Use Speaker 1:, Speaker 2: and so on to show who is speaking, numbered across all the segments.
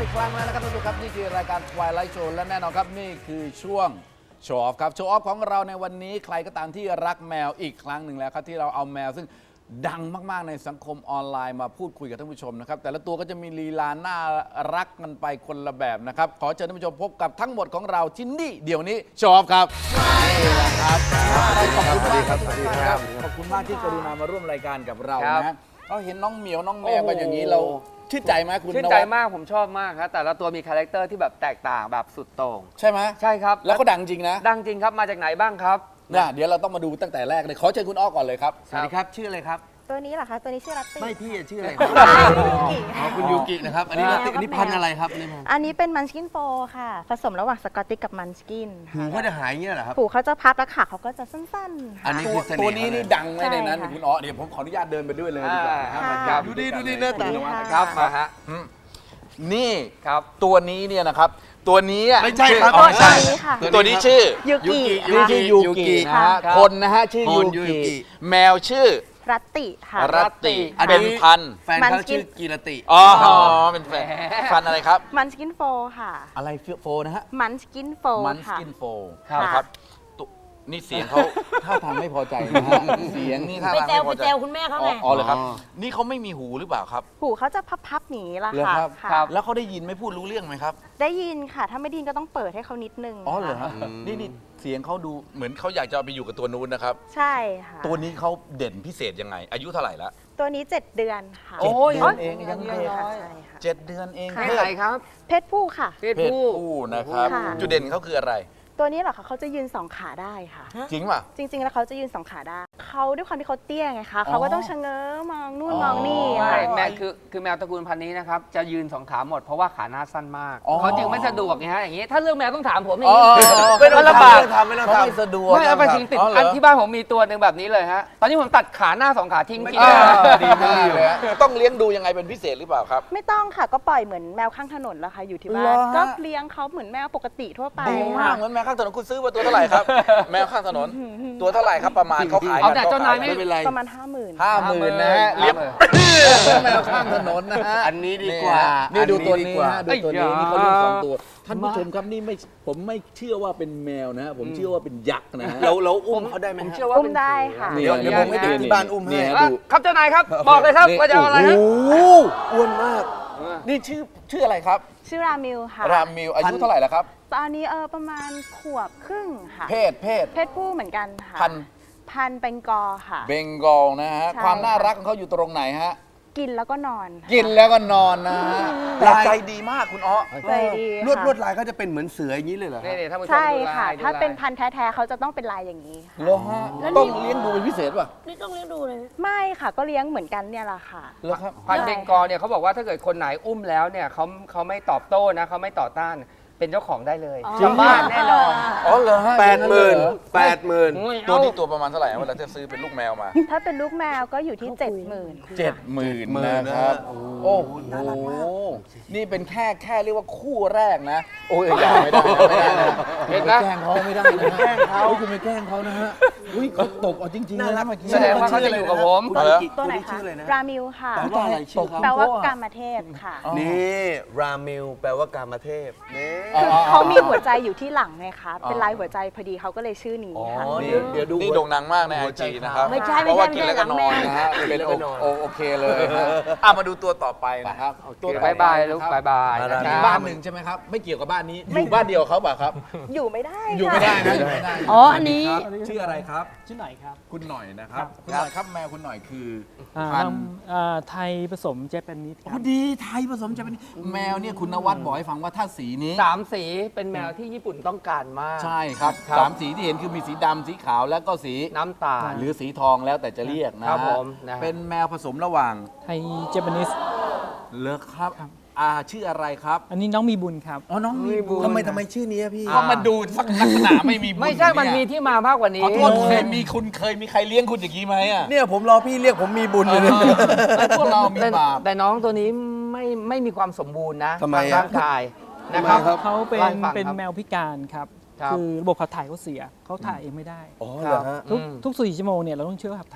Speaker 1: ครั้งแล้วนะครับท่านผู้ชมครับนี่คือรายการ Twilight Show และแน่นอนครับนี่คือช่วงโชว์ออฟครับโชว์ออฟของเราในวันนี้ใครก็ตามที่รักแมวอีกครั้งหนึ่งแล้วครับที่เราเอาแมวซึ่งดังมากๆในสังคมออนไลน์มาพูดคุยกับท่านผู้ชมนะครับแต่ละตัวก็จะมีลีลาน่ารักกันไปคนละแบบนะครับขอเชิญท่านผู้ชมพบกับทั้งหมดของเราที่นี่เดี๋ยวนี้โชว์ออฟครับนี่แหละครับขอบคุณมากครับขอบคุณมากที่กรุณามาร่วมรายการกับเรานะเราเห็นน้องเหมียวน้องแมวกันอย่างนี้เราชื่นใจไหมคุณ
Speaker 2: ชื่นใจมากผมชอบมากครับแต่ละตัวมีคาแรคเตอร์ที่แบบแตกต่างแบบสุดโต่ง
Speaker 1: ใช่ไหม
Speaker 2: ใช่ครับ
Speaker 1: แล้วก็ดังจริงนะ
Speaker 2: ดังจริงครับมาจากไหนบ้างครับ
Speaker 1: เดี๋ยวเราต้องมาดูตั้งแต่แรกเลยขอเชิญคุณอ้อก่อนเลยครับ
Speaker 2: สวัสดีครับชื่ออะไรครับ
Speaker 3: ตัวนี้เหรอคะตัวนี้ชื่อลัตตี้
Speaker 2: ไม่พี่ชื่ออะไร
Speaker 1: คุณยูกินะครับอันนี้ลัตตี้อันนี้พันอะไรครับ
Speaker 3: อันนี้เป็นมันสกินโฟค่ะผสมระหว่างสกอตติชกับมันสกิน
Speaker 2: หูเขาจะหายเงี้ยเหรอครับ
Speaker 3: หูเขาจะพับแล้วขาเขาก็จะสั้นๆ
Speaker 1: อันนี้คือตัวนี้นี่ดังไหมในนั้นคุณอ้อเดี๋ยวผมขออนุญาตเดินไปด้วยเลยดีกว่า
Speaker 2: ครับดูดีเนื้อตาครับมาฮะ
Speaker 1: นี่
Speaker 2: ครับ
Speaker 1: ตัวนี้เนี่ยนะครับตัวนี้
Speaker 2: ไม่ใช่ครับ
Speaker 3: ตัวนี้ค่ะ
Speaker 1: ตัวนี้ชื่อ
Speaker 3: ยูกิ
Speaker 1: นี่ชื่อยูกินะฮะคนนะฮะชื่อยูกิแมวชื่อ
Speaker 3: รัตติค่ะ
Speaker 1: รัตติเป็นพัน
Speaker 2: แฟนเขาชื่อกีรติ
Speaker 1: อ๋อเป็นแฟนพันอะไรครับ
Speaker 3: มันสกินโฟค่ะ
Speaker 1: อะไรโฟนะฮะ
Speaker 3: มันสกินโฟ
Speaker 1: มันสกินโฟนะครับนี่เสียงเขาท่าทางไม่พอใจนะฮะเสียงนี่ท่าทางไม่พอใจ
Speaker 4: ไปแซวคุณแม่เขาไง
Speaker 1: อ๋อเลยครับนี่เขาไม่มีหูหรือเปล่าครับ
Speaker 3: หูเขาจะพับๆหนีละ
Speaker 1: ค่ะแล้วเขาได้ยินไม่พูดรู้เรื่องไหมครับ
Speaker 3: ได้ยินค่ะถ้าไม่ได้ยินก็ต้องเปิดให้เขานิดนึง
Speaker 1: อ๋อเหรอฮะนี่เสียงเขาดูเหมือนเขาอยากจะไปอยู่กับตัวนู้นนะครับ
Speaker 3: ใช่ค่ะ
Speaker 1: ตัวนี้เขาเด่นพิเศษยังไงอายุเท่าไหร่แล้ว
Speaker 3: ตัวนี้7 เดือนค่ะ
Speaker 1: โอ้ยเองยังเด็ก7 เดือนเอง
Speaker 2: เพศอะไรครับ
Speaker 3: เพศผู้ค่ะ
Speaker 1: เพศผู้นะครับจุดเด่นเขาคืออะไร
Speaker 3: ตัวนี้เหรอคะเขาจะยืน2 ขาได้ค่ะ
Speaker 1: จริงป่ะ
Speaker 3: จริงๆแล้วเขาจะยืน2 ขาได้เขาด้วยความที่เขาเตี้ยไงคะเขาก็ต้องชะเง้อมองนู่นมองนี่
Speaker 2: ใช่แมวคือแมวตระกูลพันธุ์นี้นะครับจะยืน2 ขาหมดเพราะว่าขาหน้าสั้นมากเขาจึงไม่สะดวกไงฮะอย่างนี้ถ้าเรื่องแมวต้องถามผมอย่างนี้
Speaker 1: ไม่ต้อง
Speaker 2: ลำบาก
Speaker 1: ไม่ต้องทำไม่สะดวก
Speaker 2: ไม่เอาไปถึงติดอันที่บ้านผมมีตัวหนึ่งแบบนี้เลยฮะตอนนี้ผมตัดขาหน้า2 ขาทิ้งกิน
Speaker 1: ดีมากเลยต้องเลี้ยงดูยังไงเป็นพิเศษหรือเปล่าครับ
Speaker 3: ไม่ต้องค่ะก็ปล่อยเหมือนแมวข้างถนนแล้วค่ะอยู่ที่บ้านก็เลี้ยงเขาเหมือนแมวปกติทั่วไป
Speaker 1: ดีมากเหมือนแมวข้างถนนคุณซื้อมาตัวเท่าไหร่ครับแมวข้างถนนตัวเท่าไหร่ครับประมาณเขาขาย
Speaker 2: กันเจ้านายไม่
Speaker 3: เป็นไรประมาณ
Speaker 1: 50,000นะฮะเลี้ยงแมวข้างถนนนะฮะ
Speaker 2: อันนี้ดีกว่า
Speaker 1: นี่ดูตัวนี้ฮะดูตัวนี้นี่เขาเลี้ยง2 ตัวท่านผู้ชมครับนี่ไม่ผมไม่เชื่อว่าเป็นแมวนะฮะผมเชื่อว่าเป็นยักษ์นะฮะ
Speaker 2: เราอุ้มเขาได้ไหม
Speaker 3: ผมเชื่อว่าอุ้มได้ค่ะ
Speaker 1: เดี๋ยวผมให้เด็กที่บ้านอุ้มให้
Speaker 2: ครับเจ้านายครับบอกเลยครับว่าจะเอาอะไรฮะ
Speaker 1: อ้วนมากนี่ชื่ออะไรครับ
Speaker 3: ชื่อรามิลค่ะ
Speaker 1: รามิลอายุเท่าไหร่แล้วครับ
Speaker 3: ตอนนี้ประมาณขวบครึ่งค่ะเพศผู้เหมือนกันค่ะพันเบงกอลค่ะ
Speaker 1: เบงกอลนะฮะความน่ารักของเขาอยู่ตรงไหนฮะ
Speaker 3: กินแล้วก็นอน
Speaker 1: กินแล้วก็นอนนะฮะใจดีมากคุณอ้อ
Speaker 3: ใจดี
Speaker 2: ลวดลายเขาจะเป็นเหมือนเสืออย่างนี้เลยเหรอ
Speaker 3: ใช่ค่ะถ้าเป็นพันธุ์แท้ๆเขาจะต้องเป็นลายอย่างนี้ค่ะ
Speaker 1: ต้องเลี้ยงดูเป็นพิเศษป่ะ
Speaker 4: นี่ต้องเลี้ยงดูเลย
Speaker 3: ไม่ค่ะก็เลี้ยงเหมือนกันเนี่ยแหละค่ะ
Speaker 2: พันธุ์เบงกอลเนี่ยเขาบอกว่าถ้าเกิดคนไหนอุ้มแล้วเนี่ยเขาไม่ตอบโต้นะเขาไม่ต่อต้านเป็นเจ้าของได้เลย
Speaker 1: จริง
Speaker 2: บ้านแน่นอน
Speaker 1: อ๋อเหรอฮะ
Speaker 2: 80,000
Speaker 1: ตัวที่ตัวประมาณเท่าไหร่เวลาจะซื้อเป็นลูกแมวมา
Speaker 3: ถ้าเป็นลูกแมวก็อยู่ที่
Speaker 1: 70,000นะครับโอ้โหนี่เป็นแค่เรียกว่าคู่แรกนะโอ้ยอย่าไม่ได้เห็นไหมแกล้งเขาไม่ได้นะแกล้งเขาคุณไม่แกล้งเขานะฮะอุ้ยเขาตกจริงๆเลยนะเมื่อกี้
Speaker 2: แสดงว่าเขาจะอยู่กับผม
Speaker 3: ตัวไหนคะรามิลค่ะแปลว่ากามเทพค่ะ
Speaker 2: นี่รามิลแปลว่ากามเทพ
Speaker 3: เขามีหัวใจอยู่ที่หลังไงคะเป็นลายหัวใจพอดีเขาก็เลยชื่อนี้ค่ะ
Speaker 1: เดี๋ยวดูนี่โด่งดังมากในไอจีนะครับเพราะว่ากินแล้วก็นอนนะฮะเป็นโอเคเลยมาดูตัวต่อไปนะครับ
Speaker 2: ตัวบายบายลูกบายบาย
Speaker 1: บ้านหนึ่งใช่ไหมครับไม่เกี่ยวกับบ้านนี้อยู่บ้านเดียวเขาป่ะครับ
Speaker 3: อยู่ไม่ได้
Speaker 1: อยู่ไม่ได้นะ
Speaker 4: อ๋ออันนี้
Speaker 1: ชื่ออะไรครับ
Speaker 5: ชื่อหน่อยครับ
Speaker 1: คุณหน่อยนะครับคุณหน่อยครับแมวคุณหน่อยคือ
Speaker 5: พันธุ์ไทยผสมเจแปนนิส
Speaker 1: ดีไทยผสมเจแปนนิสแมวเนี่ยคุณนวัดบอกให้ฟังว่าถ้าสีนี้
Speaker 2: 3 สีเป็นแมวที่ญี่ปุ่นต้องการมาก
Speaker 1: ใช่ครับ3 สีที่เห็นคือมีสีดำสีขาวแล้วก็สี
Speaker 2: น้ำตาล
Speaker 1: หรือสีทองแล้วแต่จะเรียกนะครับ
Speaker 2: ผม
Speaker 1: เป็นแมวผสมระหว่าง
Speaker 5: ไทยเจแปนนิส
Speaker 1: เลิกครับชื่ออะไรครับ
Speaker 5: อันนี้น้องมีบุญครับ
Speaker 1: อ๋อน้องมีบุญ
Speaker 2: ท
Speaker 1: ำไมชื่อนี้พี่ก็มาดูลักษณะไม่มีบุญ
Speaker 2: ไม่ใช่มันมีที่มามากกว่านี้
Speaker 1: ขอโทษเคยมีใครเลี้ยงคุณอย่างนี้ไหม
Speaker 6: เนี่ยผมรอพี่เรียกผมมีบุญเลย
Speaker 1: พวกเรามีบาป
Speaker 2: แต่น้องตัวนี้ไม่มีความสมบูรณ์นะ
Speaker 6: ทำไม
Speaker 2: ร่างกายนะครับ
Speaker 5: เขาเป็นแมวพิการครับคือระบบขับถ่ายเขาเสียเขาถ่ายเองไม่ได้
Speaker 6: อ๋อเหรอฮะ
Speaker 5: ทุก4 ชั่วโมงเนี่ยเราต้องเชื่อขับถ่าย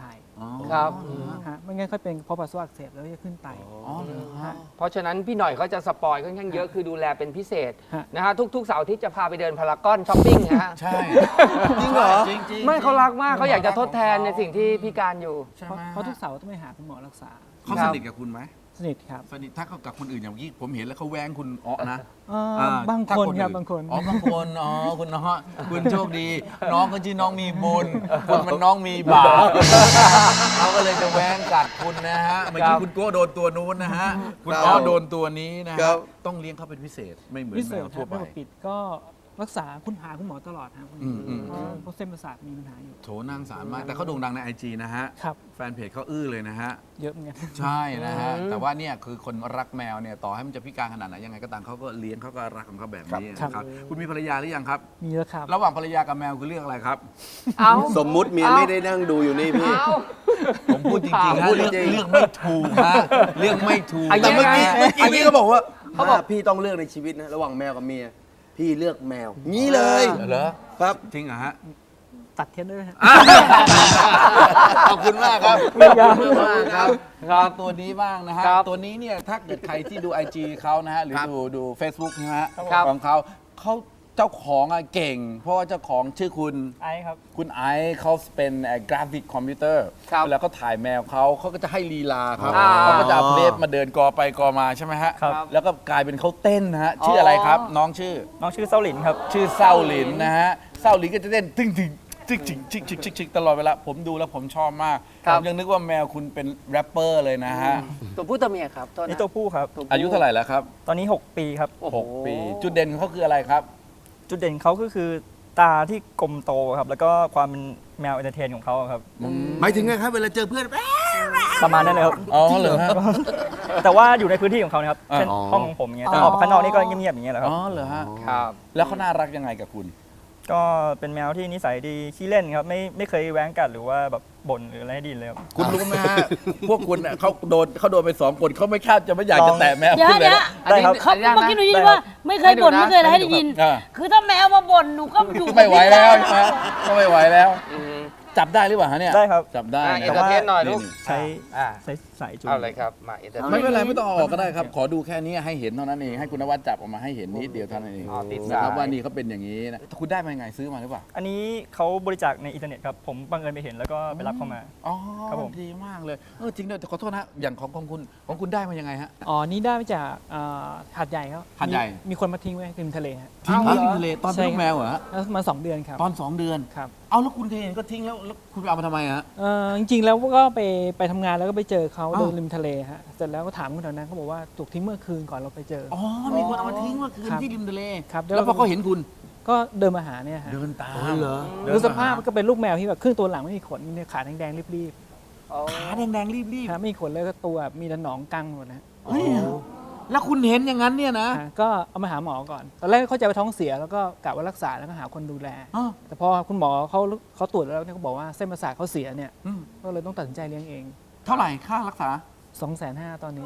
Speaker 2: ครับ
Speaker 5: ฮะไม่งั้นค่อยเป็นเพราะปัสสาวะอักเสบแล้วจะขึ้นไต
Speaker 1: อ๋อเหรอฮะ
Speaker 2: เพราะฉะนั้นพี่หน่อยเขาจะสปอยค่อนข้างเยอะคือดูแลเป็นพิเศษ
Speaker 5: ฮะ
Speaker 2: นะฮะทุกๆเสาร์อาที่จะพาไปเดินพารากอนช้อปปิ้งนะฮะ
Speaker 1: ใช่
Speaker 6: จริงเหรอ
Speaker 1: จริงๆ
Speaker 2: ไม่เขารักมากเขาอยากจะทดแทนในสิ่งที่พิการอยู่
Speaker 1: ใช่
Speaker 5: เพ
Speaker 1: ไหม
Speaker 5: ราะทุกเสาร์ต้องไปหาคุณหมอรักษา
Speaker 1: เขาสนิทกับคุณไหม
Speaker 5: สนิทครับ
Speaker 1: สนิทถ้าเขากับคนอื่นอย่างที่ผมเห็นแล้วเขาแว้งคุณอ๋อนะ
Speaker 5: บาง
Speaker 1: ถ้
Speaker 5: คน
Speaker 1: อื่
Speaker 5: ครับบางคน
Speaker 1: อ๋อบางคนอ๋อคุณน้องคุณโชคดี น้องก็ชื่อน้องมีบุญคุณมันน้องมีบาปเขาก็เลยจะแว้งกัดคุณนะฮะเมื่อกี้คุณโก้โดนตัวนู้นนะฮะคุณอ้อโดนตัวนี้นะ
Speaker 6: ครั
Speaker 1: ฮะ
Speaker 6: บ
Speaker 1: ต้องเลี้ยงเขาเป็นพิเศษไม่เหมือน
Speaker 5: พิ
Speaker 1: แม
Speaker 5: เศษ
Speaker 1: ว
Speaker 5: ค
Speaker 1: ทั่
Speaker 5: รั
Speaker 1: ว
Speaker 5: บ
Speaker 1: ไป
Speaker 5: ไม่ปกปิดก็รักษาคุณหาคุณหมอตลอดครับ
Speaker 1: อืม
Speaker 5: เพราะเส้นประสาทมีปัญหาอยู่
Speaker 1: โถน่าสงสารมากแต่เขาโด่งดังใน IG นะฮะ
Speaker 5: ครับ
Speaker 1: แฟนเพจเขาอื้อเลยนะฮะ
Speaker 5: เยอะเหมือนกัน
Speaker 1: ใช่นะฮะ แต่ว่าเนี่ยคือคนรักแมวเนี่ยต่อให้มันจะพิการขนาดไหนยังไงก็ตามเขาก็เลี้ยงเขาก็รักของเขาแบบนี้
Speaker 5: ครับ
Speaker 1: นะครับคุณมีภรรยาหรือยังครับ
Speaker 5: มีแล้วครับ
Speaker 1: ระหว่างภรรยากับแมวคือเรื่องอะไรครับ
Speaker 2: เอา
Speaker 6: สมมุติเมียไม่ได้นั่งดูอยู่นี่พี่
Speaker 2: เอา
Speaker 1: ผมพูดจริงๆฮะ
Speaker 6: พูด
Speaker 1: เรื่อง
Speaker 6: จริงๆ
Speaker 1: เรื่องไม่ถูกฮะเรื่องไม่ถูก
Speaker 6: แต่เมื่อกี้
Speaker 2: ยังไง
Speaker 6: เมื่อกี้พี่ก็บอกว่าเขาบอกพี่ต้องเลือกในชีวิตนะระหว่างแมวกับเมีย พี่เลือกแมว งี้เลย
Speaker 1: เหรอ
Speaker 6: ครับ
Speaker 1: จริงเหรอฮะ
Speaker 5: ตัดเทียนด้วยนะฮะ
Speaker 1: ขอบคุณมากครับ
Speaker 5: ไม่ยาก
Speaker 1: ขอบคุณมากครับ
Speaker 2: ครับ
Speaker 1: ตัวนี้บ้างนะฮะ
Speaker 2: ครับ
Speaker 1: ตัวนี้เนี่ยถ้าเกิดใครที่ดู IG เขานะฮะหรือดู Facebook นะฮะ
Speaker 2: ครับ
Speaker 1: ของเขาเจ้าของอะเก่ง เพราะว่าเจ้าของชื่อคุณ
Speaker 5: ไอ้ครับ
Speaker 1: คุณไอซ์เขาเป็นกราฟิกคอมพิวเตอร์
Speaker 2: ครับ
Speaker 1: เวลาเขาถ่ายแมวเขาก็จะให้ลีลาครับ
Speaker 2: อ่า
Speaker 1: เขาก็จะเอาเพลฟมาเดินกอไปกอมาใช่ไหมฮะ
Speaker 5: ครับ
Speaker 1: แล้วก็กลายเป็นเขาเต้นนะฮะชื่ออะไรครับ น้องชื่อ
Speaker 5: น้องชื่อเซาหลินครับ
Speaker 1: ชื่อเศร้าหลินนะฮะเศร้าหลินก็จะเต้นตึ้งตึงจิกจิกจิกจิกจิกจิกตลอดเวลาผมดูแล้วผมชอบมาก
Speaker 2: ครั
Speaker 1: ผ
Speaker 2: บ
Speaker 1: มยังนึกว่าแมวคุณเป็นแรปเปอร์เลยนะฮะ
Speaker 2: ตัวผู้ตัวเมียครับตัว
Speaker 7: นี่ตัวผู้ครับ
Speaker 1: อายุเท่าไหร่แล้วครับ
Speaker 7: ตอนนี้ 6 ปีครับ
Speaker 2: โอ้โห
Speaker 1: 6 ปี จุดเด่นของเขาคืออะไรครับ
Speaker 7: จุดเด่นเขาก็คือตาที่กลมโตครับ แล้วก็ความเป็นแมวเอนเตอร์เทนของเขาครับ
Speaker 6: หมายถึงไงครับเวลาเจอเพื่อน
Speaker 7: ประมาณนั้นเลยครับ
Speaker 1: อ๋อเหรอฮะ
Speaker 7: แต่ว่าอยู่ในพื้นที่ของเขานะครับ เช่น
Speaker 6: อ๋อ
Speaker 7: ห้องของผมอย่างเงี้ย แต่ออกไปข้างนอกนี่ก็เงียบๆอย่างเงี้ยแหละค
Speaker 1: อ๋
Speaker 7: รับ
Speaker 1: อเหรอฮะ
Speaker 2: ครับ
Speaker 1: แล้วเขาน่ารักยังไงกับคุณ
Speaker 7: ก็เป็นแมวที่นิสัยดีขี้เล่นครับ ไม่เคยแว้งกัดหรือว่าแบบบ่นหรืออะไรให้ดินเลยครับ
Speaker 1: คุณรู้ไหมฮะ พวกคุณเนี่ยเขาโดนไป2 คนเขาไม่คาดจะไม่อยากจะแตะแมว
Speaker 4: เดี๋ยว
Speaker 1: คุณเลย
Speaker 4: เดี๋ยว
Speaker 1: นะ
Speaker 7: ได้ครับ
Speaker 4: เขา
Speaker 2: ได้ไหม
Speaker 4: เมื่อกี้หนูยินว่าไม่เคยบ่น
Speaker 2: ให้ดูนะ
Speaker 4: ไม่เคยอะไรให้ได้ยิน
Speaker 1: อ่า
Speaker 4: คือถ้าแมวมาบ่นหนูก็อยู่
Speaker 1: ไม่ไหวแล้วใช่ไหมก็ไม่ไหวแล้ว
Speaker 2: อืม
Speaker 1: จับได้หรือเปล่าฮะเนี่ย
Speaker 7: ได้ครับ
Speaker 1: จับได้
Speaker 2: อ่ะ
Speaker 1: นะ
Speaker 2: เอนเตอร์เทนหน่อยลูก
Speaker 7: ใช้
Speaker 2: อ่า
Speaker 7: สายจูง
Speaker 2: เอาเลยครับมาเอนเตอร์เทน
Speaker 1: ไม่เป็นไรไม่ต้องเอาออกก็ได้ครับ ขอดูแค่นี้ให้เห็นเท่านั้นเองให้คุณนวัดจับออกมาให้เห็นนิดเดียวเท่านั้นเอง
Speaker 2: อ๋อติด
Speaker 1: นะ
Speaker 2: สา
Speaker 1: ครับ
Speaker 2: ย
Speaker 1: ว่านี่เขาเป็นอย่างนี้นะคุณได้มายังไงซื้อมาหรือเปล่า
Speaker 7: อันนี้เขาบริจาคในอินเทอร์เน็ตครับ ผมบังเอิญไปเห็นแล้วก็ไปรับเข้ามา
Speaker 1: อ๋อ
Speaker 7: ครับผม
Speaker 1: ดีมากเลยจริงด้วยแต่ขอโทษนะอย่างของคุณได้มายังไงฮะ
Speaker 5: อ๋อ นี่ได้มาจากหาดใหญ่ครับ
Speaker 1: หาดใหญ่
Speaker 5: มีคนมาทิ้งไว้ริมทะเลฮะ
Speaker 1: ทิ้งไว้
Speaker 2: เอาเหรอ
Speaker 1: ในทะเลตอนเป็นลูกแมวเหรอฮะ
Speaker 5: แล้วมา2 เดือนครับ
Speaker 1: ตอน 2 เดือน
Speaker 5: ครับ
Speaker 1: เอาแล้วคุณเห็นก็ทิ้งแล้วคุณไปเอามาทำไมฮะ
Speaker 5: จริงๆแล้วก็ไปทำงานแล้วก็ไปเจอเขา
Speaker 1: อ้าว
Speaker 5: เดินริมทะเลฮะ เสร็จแล้วก็ถามคนแถวนั้นเขาบอกว่าถูกทิ้งเมื่อคืนก่อนเราไปเจอ
Speaker 1: อ๋อมีคนเอามาทิ้งเมื่อคืน
Speaker 5: ครับ
Speaker 1: ที่ริมทะเล
Speaker 5: ครับ
Speaker 1: แล้วพอเขาเห็นคุณ
Speaker 5: ก็เดินมาหาเนี่ยฮะ
Speaker 1: เดินตาม
Speaker 6: เหรอ
Speaker 5: ดูสภาพก็เป็นลูกแมวที่แบบครึ่งตัวหลังไม่มีขนมีแต่ขาแดงๆรีบ
Speaker 1: ขาแดงๆรีบ
Speaker 5: ๆครับไม่มีขนเลยก็ตัวมีแต่หนองกังหมดนะ
Speaker 1: ๆเฮ้ยแล้วคุณเห็นอย่างนั้นเนี่ยนะ
Speaker 5: ก็เอามาหาหมอก่อน ตอนแรกเข้าใจว่าท้องเสียแล้วก็กะว่ารักษาแล้วก็หาคนดูแล
Speaker 1: อ้าว
Speaker 5: แต่พอคุณหมอเขาตรวจแล้วเนี่ยเขาบอกว่าเส้นประสาทเขาเสียเนี่ย
Speaker 1: อืม
Speaker 5: ก็เลยต้องตัดสินใจเลี้ยงเอง
Speaker 1: เท่าไหร่ค่ารักษา
Speaker 5: 250,000ตอนนี้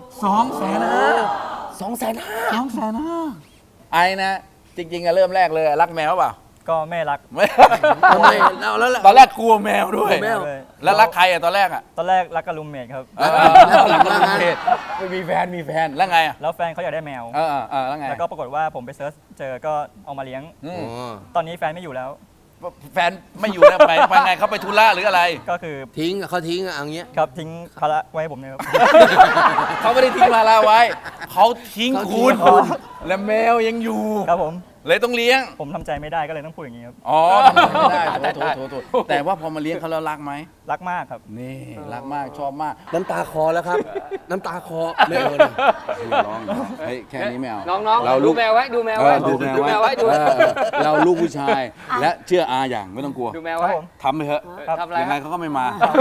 Speaker 1: ไอ้นะ จริงๆอะเริ่มแรกเลยอะรักแมวเปล่า
Speaker 7: ก็ไม่รัก
Speaker 1: ไม่
Speaker 6: ทำไมเอาแล้วล่ะ
Speaker 1: ตอนแรกกลัวแมวด้วย
Speaker 6: กลัวแมว
Speaker 7: เลย
Speaker 1: แล้วรักใครอะตอนแรกอะ
Speaker 7: ตอนแรกรักกับรูมเมทครับ
Speaker 1: หลังรักเพศไม่มีแฟนแล้วไงอะ
Speaker 7: แล้วแฟนเขาอยากได้แมว
Speaker 1: แล้วไง
Speaker 7: แล้วก็ปรากฏว่าผมไปเซิร์ชเจอก็เอามาเลี้ยง
Speaker 1: อืม
Speaker 7: ตอนนี้แฟนไม่อยู่แล้ว
Speaker 1: แฟนไม่อยู่แล้วไปไงเขาไปธุระหรืออะไร
Speaker 7: ก็คือ
Speaker 6: ทิ้งอะเขาทิ้งอะอย่างเงี้ย
Speaker 7: ครับทิ้งภาระไว้ให้ผมเนี่ยครับ
Speaker 1: เขาไม่ได้ทิ้งภาระไว้ เขาทิ้ง
Speaker 6: เขาทิ้
Speaker 1: คุ
Speaker 6: ง
Speaker 1: ณ และแมวยังอยู่
Speaker 7: ครับผม
Speaker 1: เลยต้องเลี้ยง
Speaker 7: ผมทำใจไม่ได้ก็เลยต้องพูดอย่างนี้ครับ
Speaker 1: อ๋อไม่ได้โถแต่ว่าพอมาเลี้ยงเขาแล้วรักไหม
Speaker 7: รักมากครับ
Speaker 1: นี่รักมากชอบมาก
Speaker 6: น้ำตาคอแล้วครับ น้ำตาคอไม่เอาเลย
Speaker 1: ร้องเฮ้ยแค่นี้ไม่เอา
Speaker 2: น้องๆดูแมวไว้ดูแมวไว้
Speaker 1: ดูแมวไว้
Speaker 2: ดู
Speaker 1: เราลูกผู้ชาย และเชื่ออาอย่างไม่ต้องกลัว
Speaker 2: ดูแมวไว้
Speaker 7: ครับผม
Speaker 1: ทำไปเถอะ
Speaker 2: ทำอะไร
Speaker 1: ยังไงเขาก็ไม่มา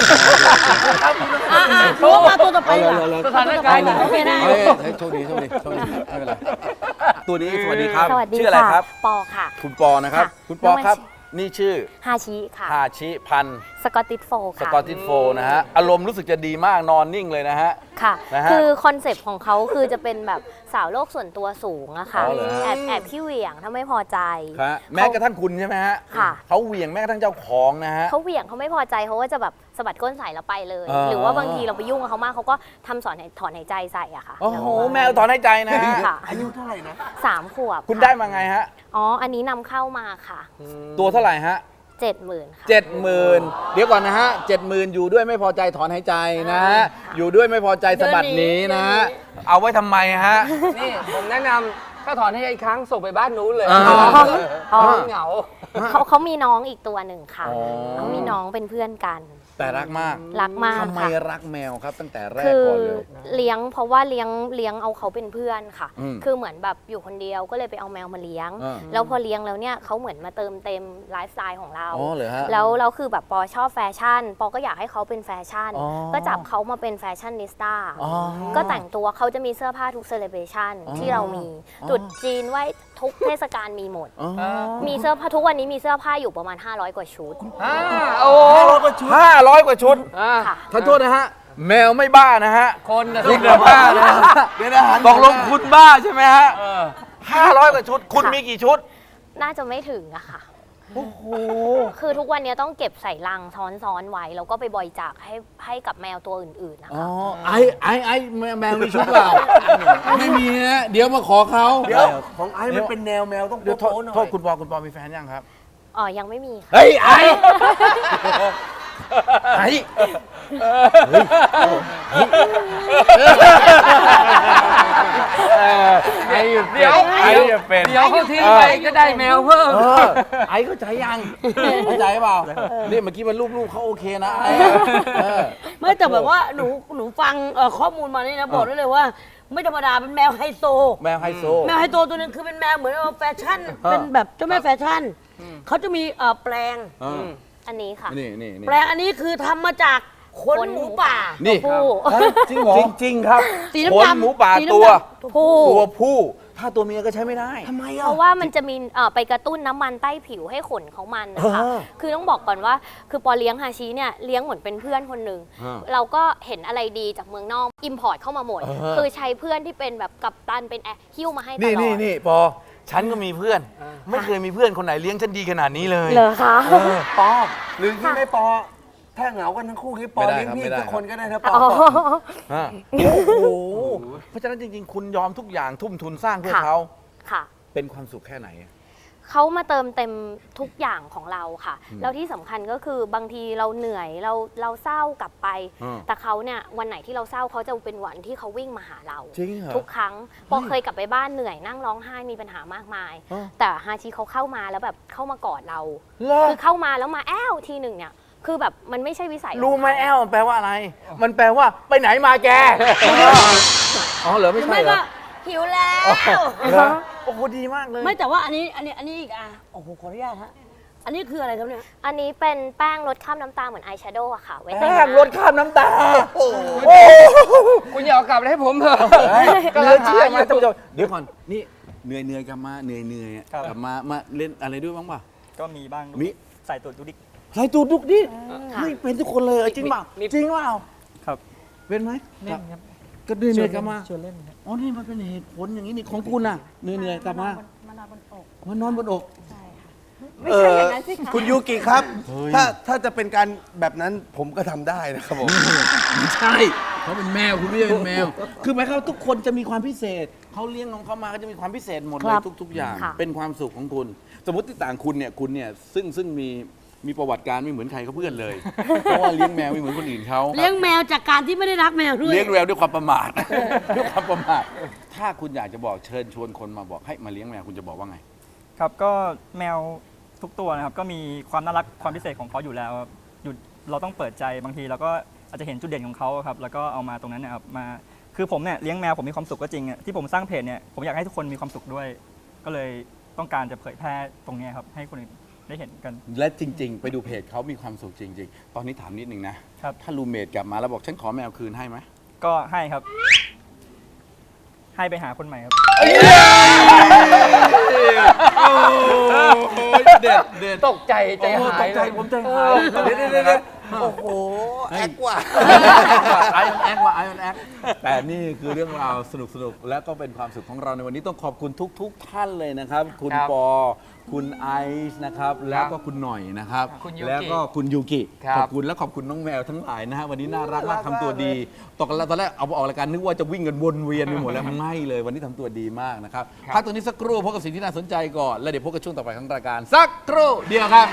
Speaker 4: โทรมาตัวต่อไปเหรอ
Speaker 2: สถานการณ์
Speaker 4: โอเคได้
Speaker 1: เฮ้ยโชคดีไม่เป็นไรตัวนี้สวัสดีครับ
Speaker 8: สวัสดี
Speaker 1: ชื่ออะไร
Speaker 8: ค่ะ
Speaker 1: ครับ
Speaker 8: ปอค่ะ
Speaker 1: คุณปอนะครับ
Speaker 8: ค่ะ
Speaker 1: คุณปอครับ นี่ชื่อ
Speaker 8: ฮาชิค่ะ
Speaker 1: ฮาชิพันธุ์
Speaker 8: สกอตติชโฟล์
Speaker 1: ส
Speaker 8: ค่ะ
Speaker 1: กอตติชโฟล์นะฮะ อารมณ์รู้สึกจะดีมากนอนนิ่งเลยนะฮะ
Speaker 8: ค่ะ
Speaker 1: นะฮะ
Speaker 8: คือคอนเซปต์ของเขาคือจะเป็นแบบสาวโลกส่วนตัวสูงอะค่ะ
Speaker 1: อ๋อเหรอฮะ
Speaker 8: แอบขี้เหวี่ยงถ้าไม่พอใจ
Speaker 1: ครับแม้กระทั่งคุณใช่ไหมฮะ
Speaker 8: ค่ะ
Speaker 1: เขาเหวี่ยงแม้กระทั่งเจ้าของนะฮะ
Speaker 8: เขาเหวี่ยงเขาไม่พอใจเขาก็จะแบบสะบัดก้นใส่แล้วไปเลย
Speaker 1: อ่า
Speaker 8: หรือว่าบางทีเราไปยุ่งกับเขามากเขาก็ทำถอนหายใจใส่อะค่ะ
Speaker 1: โอ้โหแมวถอนหายใจนะ
Speaker 8: ค่ะ
Speaker 6: อายุเท่าไหร่นะ
Speaker 8: 3 ขวบ
Speaker 1: คุณได้มาไงฮะ
Speaker 8: อ๋ออันนี้นำเข้ามาค่ะ
Speaker 1: ตัวเท่าไหร่ฮะ
Speaker 8: 70,000ค่ะ
Speaker 1: 70,000เดี๋ยวก่อนนะฮะ 70,000อยู่ด้วยไม่พอใจถอนหายใจนะฮะอยู่ด้วยไม่พอใจสะบัดหนีนะฮะเอาไว้ทำไมฮะ
Speaker 2: นี่ผมแนะนำถ้าถอนให้อีกครั้งส่งไปบ้านนู้นเลย
Speaker 1: อ๋อ
Speaker 2: เหงา
Speaker 8: เขามีน้องอีกตัวหนึ่งค่ะ
Speaker 1: อ๋อ
Speaker 8: เขามีน้องเป็นเพื่อนกัน
Speaker 1: แต่รักมาก
Speaker 8: รักมาก
Speaker 1: ทำไม
Speaker 8: ค่ะ
Speaker 1: รักแมวครับตั้งแต่แรก
Speaker 8: คือ
Speaker 1: ก่อนเลย
Speaker 8: เลี้ยงเพราะว่าเลี้ยงเอาเขาเป็นเพื่อนค่ะ
Speaker 1: อืม
Speaker 8: คือเหมือนแบบอยู่คนเดียวก็เลยไปเอาแมวมาเลี้ยง
Speaker 1: อ่า
Speaker 8: แล้วพอเลี้ยงแล้วเนี่ยเขาเหมือนมาเติมเต็มไลฟ์สไตล์ของเรา
Speaker 1: อ๋อเหรอฮะ
Speaker 8: แล้วคือแบบปอชอบแฟชั่น ปอก็อยากให้เขาเป็นแฟชั่น
Speaker 1: อ๋อ
Speaker 8: ก็จับเขามาเป็นแฟชั่นนิสต้า
Speaker 1: อ๋อ
Speaker 8: ก็แต่งตัวเขาจะมีเสื้อผ้าทุกเซเลบรชัน
Speaker 1: อ๋อ
Speaker 8: ที่เรามี
Speaker 1: อ๋อ
Speaker 8: ตรุษจีนไหว้ทุกเทศกาลมีหมด
Speaker 1: อ๋อ
Speaker 8: มีเสื้อผ้าทุกวันนี้มีเสื้อผ้าอยู่ประมาณ 500 กว่าชุด
Speaker 2: โอ้
Speaker 1: 500 กว่าชุด
Speaker 8: ค่ะ
Speaker 1: ขอโทษนะฮะ แมวไม่บ้านะฮะ
Speaker 2: คนนะ
Speaker 1: คุณน่ะบ้านะฮะ
Speaker 6: เดี๋ยวนะหัน
Speaker 1: ตกลงคุณบ้าใช่ไหมฮะ500 กว่าชุด คุณมีกี่ชุด
Speaker 8: น่าจะไม่ถึงอะค่ะ คือทุกวันนี้ต้องเก็บใส่ลังซ้อนๆไว้ แล้วก็ไปบริจาคให้กับแมวตัวอื่นๆนะ
Speaker 1: อ๋อ
Speaker 8: คะ
Speaker 1: ไอ้แมวมีชุดเปล่า ไม่มีนะเดี๋ยวมาขอเขา
Speaker 6: เดี๋ยวของไอ้มันเป็นแนวแมวต้อง
Speaker 1: เดี๋ยวโทษ
Speaker 6: โป๊ะๆหน่อย
Speaker 1: โทษคุณปอมีแฟนยังครับ
Speaker 8: อ๋อ ยังไม่มีค่ะ
Speaker 1: เฮ้ย ไอ้ไอ้หยุด
Speaker 2: เดี๋ยว
Speaker 1: ไอ้จะเป็น
Speaker 2: เดี๋ยวเขาทิ้งไปก็ได้แมวเพิ่ม
Speaker 1: ไอ้เข้าใจยังเข้าใจเปล่านี่เมื่อกี้มันลูกๆเขาโอเคนะไอ้เออ
Speaker 4: ไม่แต่แบบว่าหนูฟังข้อมูลมานี่นะบอกได้เลยว่า ไม่ธรรมดาเป็นแมวไฮโซ
Speaker 1: แมวไฮโซ
Speaker 4: แมวไฮโซตัวหนึงคือเป็นแมวเหมือนว่าแฟชั่น เป็นแบบเจ้าแม่แฟชั่นเขาจะมีแปลง
Speaker 8: อันนี้ค่ะ
Speaker 1: นี่
Speaker 4: แปลงอันนี้คือทำมาจากขนหมูป่า
Speaker 1: นี่
Speaker 8: ผู้
Speaker 6: จริงเหรอ
Speaker 1: จริงครับ
Speaker 4: สี
Speaker 1: ข
Speaker 4: น้ำ
Speaker 1: น
Speaker 4: ดำ
Speaker 1: หมูป่า
Speaker 4: สีน้ำ
Speaker 1: ตัว
Speaker 4: ดำ
Speaker 8: ผู้
Speaker 1: ผู้ ถ้าตัวเมียก็ใช้ไม่ได้
Speaker 6: ทำไม
Speaker 8: เพ
Speaker 6: อ่ะ
Speaker 8: ราะว่ามันจะมีไปกระตุ้นน้ำมันใต้ผิวให้ขนเขามันนะคะ คือต้องบอกก่อนว่า คือปอเลี้ยงฮาชิเนี่ยเลี้ยงเหมือนเป็นเพื่อนคนหนึ่ง เราก็เห็นอะไรดีจากเมืองนอก อิมพอร์ตเข้ามาหมด คือใช้เพื่อนที่เป็นแบบกัปตันเป็นแอร์หิ้วมาให้ตลอด
Speaker 1: นี่ปอ ฉันก็มีเพื่อน ไม่เคยมีเพื่อนคนไหนเลี้ยงฉันดีขนาดนี้เลย
Speaker 8: เหรอคะ
Speaker 6: ปอหรือที่ไม่ปอ ถ้าเหงากันทั้งคู่ที่ปอ
Speaker 1: ไม่ได้
Speaker 6: เลี้ยง
Speaker 1: ครับ
Speaker 6: พี่
Speaker 1: ไม่ได้
Speaker 6: สักคนก็ได้นะปอ
Speaker 8: อ๋อ
Speaker 1: โอ้โห เพราะฉะนั้นจริงๆ คุณยอมทุกอย่างทุ่มทุนสร้างเพื่อ
Speaker 8: ค่ะ
Speaker 1: เขา
Speaker 8: ค่ะ
Speaker 1: เป็นความสุขแค่ไหน
Speaker 8: เขามาเติมเต็มทุกอย่างของเราค่ะ แล้วที่สำคัญก็คือบางทีเราเหนื่อยเราเศร้ากลับไป แต่เขาเนี่ยวันไหนที่เราเศร้าเขาจะเป็นวันที่เขาวิ่งมาหาเรา
Speaker 1: จริงเหรอ
Speaker 8: ทุกครั้งพอเคยกลับไปบ้านเหนื่อยนั่งร้องไห้มีปัญหามากมาย
Speaker 1: อ๋อ
Speaker 8: แต่ฮาชิเขาเข้ามาแล้วแบบเข้ามากอดเรา
Speaker 1: เหรอ
Speaker 8: คือเข้ามาแล้วมาแอ้วทีหนึ่งเนี่ย คือแบบมันไม่ใช่วิสัยของ
Speaker 1: รู้ไหม
Speaker 8: เขา
Speaker 1: แอลมันแปลว่าอะไร มันแปลว่าไปไหนมาแก อ๋อเหรอไม่
Speaker 4: หรือ
Speaker 1: ใช่
Speaker 4: ไม่
Speaker 1: เหร
Speaker 4: ก็
Speaker 1: อ
Speaker 4: หิวแล้ว
Speaker 1: เหรอโอ้โหดีมากเลย
Speaker 4: ไม่แต่ว่าอันนี้อีกโอ้โหขออนุญาตฮะอันนี้คืออะไรครับเนี่ย
Speaker 8: อันนี้เป็นแป้งลดคราบน้ำตาเหมือนอายแชโดว์อะค่ะ ไว้แต่ง
Speaker 1: แป้
Speaker 8: ห
Speaker 1: ง
Speaker 8: น้า
Speaker 1: ลดคราบน้ำตา โอ้โห
Speaker 2: คุณอย่าเอากลับมาให้ผมเถอะ
Speaker 1: ก็เลยเชื่อมาท่านผู้ชมเดี๋ยวก่อน นี่เหนื่อยกลับมาเหนื่อย
Speaker 7: ครับ
Speaker 1: กลับมาเล่นอะไรด้วยบ้างป่ะ
Speaker 7: ก็มีบ้าง
Speaker 1: มี
Speaker 7: ใส่ตัวดูดิก
Speaker 1: ใส่ตูดดุกดิ
Speaker 8: ค่ะ
Speaker 1: เฮ้ยเป็นทุกคนเลยจริงเปล่า
Speaker 2: มี
Speaker 1: จริงเปล่า
Speaker 7: ครับ
Speaker 1: เป็นไหม
Speaker 5: เล่นครับ
Speaker 1: ก็เหนื่อยๆกลับมา
Speaker 5: ชวนเล่นครับ
Speaker 1: อ๋อ นี่มันเป็นเหตุผลอย่างนี้นี่ของคุณน่ะเหนื่อยๆกลับมามานอนบนอกมานอนบนอก
Speaker 3: ไม่ใช่อย่างนั้นสิคะ
Speaker 6: คุณยูกิครับ
Speaker 1: เฮ้ย
Speaker 6: ถ้าจะเป็นการแบบนั้นผมก็ทำได้นะครับผม
Speaker 1: ไม่ใช่เขาเป็นแมวคุณไม่ใช่เป็นแมว คือหมายความว่าทุกคนจะมีความพิเศษเขาเลี้ยงของเขามาก็จะมีความพิเศษหมดเลยทุก ๆ อย่าง
Speaker 8: ค่ะ
Speaker 1: เป็นความสุขของคุณ สมมติที่ต่างคุณเนี่ยซึ่งมีประวัติการไม่เหมือนใครเขาเพื่อนเลย เพราะว่าเลี้ยงแมวไม่เหมือนคนอื่นเขา
Speaker 4: เลี้ยงแมวจากการที่ไม่ได้รักแมวด้วย
Speaker 1: เลี้ยงแมวด้วยความประมาท ด้วยความประมาทถ้าคุณอยากจะบอกเชิญชวนคนมาบอกให้มาเลี้ยงแมวคุณจะบอกว่าไง
Speaker 7: ครับก็แมวทุกตัวนะครับก็มีความน่ารักความพิเศษของเขาอยู่แล้วครับอยู่เราต้องเปิดใจบางทีเราก็อาจจะเห็นจุดเด่นของเขาครับแล้วก็เอามาตรงนั้นนะครับมาคือผมเนี่ยเลี้ยงแมวผมมีความสุขก็จริงอะที่ผมสร้างเพจเนี่ยผมอยากให้ทุกคนมีความสุขด้วย ก็เลยต้องการจะเผยแพร่ตรงเนี้ยครับให้คนอื่นได้เห็นกัน
Speaker 1: และจริง ๆ ไปดูเพจเขามีความสุขจริง ๆ ตอนนี้ถามนิดนึงนะครับ ถ้ารูเมทกลับมาแล้วบอกฉันขอแมวคืนให้ไหม
Speaker 7: ก็ให้ครับ ให้ไปหาคนใหม่ครับ
Speaker 1: เด็ด
Speaker 2: ตกใจใจหาย
Speaker 1: ตกใจ
Speaker 2: เลย
Speaker 1: ผมใจหายเดี๋ยวโอ้โห
Speaker 6: แอคว่ะ
Speaker 1: ไอออนแอคว่ะไอออนแอคแต่นี่คือเรื่องราวสนุกและก็เป็นความสุขของเราในวันนี้ต้องขอบคุณทุกท่านเลยนะครับ คุณ
Speaker 2: ครับ
Speaker 1: ปอคุณไอซ์นะครับแล้วก็คุณหน่อยนะครับ
Speaker 2: คุณยูกิ
Speaker 1: แล้วก็คุณยูกิ
Speaker 2: ครับ
Speaker 1: ขอบคุณและขอบคุณน้องแมวทั้งหลายนะฮะวันนี้น่ารักมากทำตัวดีตอนแรกเอาออกรายการนึกว่าจะวิ่งกันวนเวียนไปหมดแล้วไม่เลยวันนี้ทำตัวดีมากนะครับพักตัวนี้สักครู่พบกับสิ่งที่น่าสนใจก่อนแล้วเดี๋ยวพบกับช่วงต่อไปของรายการสักครู่เดียวครับ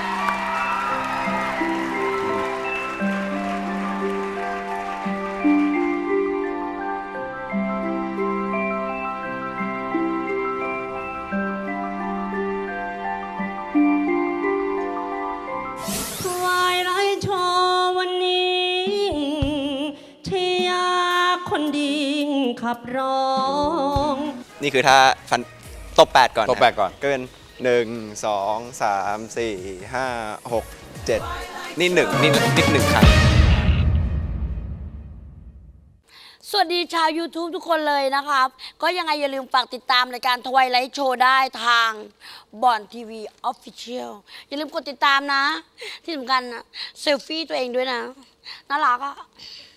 Speaker 4: ถวายไรโชว์วันนี้ที่ยาคนดีขับร้อง
Speaker 9: นี่คือถ้าฟันตบ8ก่อน
Speaker 1: ตบ8ก่อน
Speaker 9: ก็เป็น1 2 3 4 5 6 7นี่1ครั้ง
Speaker 4: สวัสดีชาว YouTube ทุกคนเลยนะครับ ก็ยังไงอย่าลืมฝากติดตามรายการทวายไลท์โชว์ได้ทางบอนทีวีออฟฟิเชียลอย่าลืมกดติดตามนะ ที่สำคัญนะเซลฟี่ตัวเองด้วยนะ น่ารักอะ